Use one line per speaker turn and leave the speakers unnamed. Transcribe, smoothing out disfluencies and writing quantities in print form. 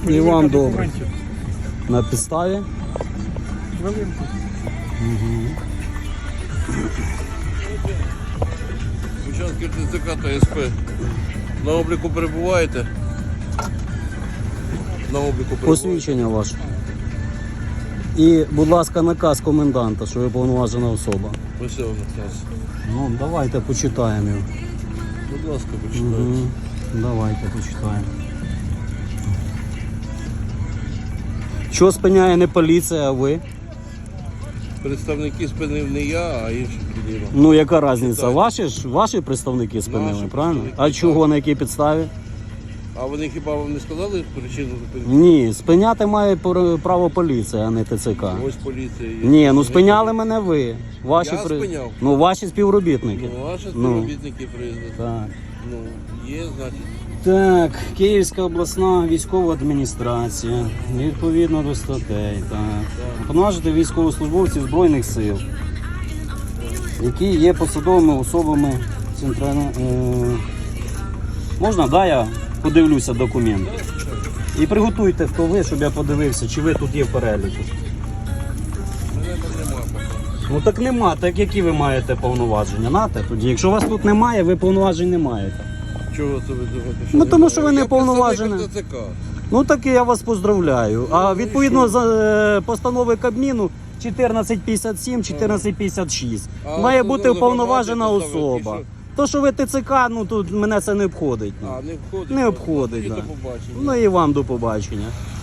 І вам добре. На підставі?
Хвилинку.
Бучанський ТЦК та СП. На обліку перебуваєте? На обліку перебуваєте?
Посвідчення ваше. І, будь ласка, наказ коменданта, що ви повноважена особа.
Ось його наказ.
Ну, давайте почитаємо його.
Будь ласка, почитайте.
Давайте почитаємо. Що спиняє не поліція, а ви?
Представники спинив не я, а інші підійма.
Ну, яка різниця?
Читайте.
Ваші представники спинили,
Наші
правильно?
представники,
А чого,
так.
на якій підставі?
А вони хіба вам не сказали причину зупинки?
Ні, спиняти має право поліція, а не ТЦК.
Ось поліція є.
Ні, ну спиняли мене ви. Ваші
Я спиняв?
Ну, ваші співробітники.
Ну, ваші співробітники приїздили.
Так.
Ну, є, значить.
Так, Київська обласна військова адміністрація, відповідно до статей, так. Повноважити військовослужбовців Збройних сил, які є посадовими особами центральної... Можна, да, я подивлюся документи? І приготуйте, хто ви, щоб я подивився, чи ви тут є в переліку.
Мене нема поки.
Ну так нема, так які ви маєте повноваження? Нате тоді. Якщо вас тут немає, ви повноважень не маєте.
Чого це ви думаєте?
Ну, тому що ви не
Я представник
повноважені.
ТЦК.
Ну так і я вас поздравляю. А відповідно за постанови Кабміну 1457, 1456
А
має
от
бути
ну,
уповноважена
забагато
особа.
поставили,
То, що ви ТЦК, ну тут мене це не обходить.
А, не входить.
Не обходить,
Ну,
да.
до побачення.
Ну і вам до побачення.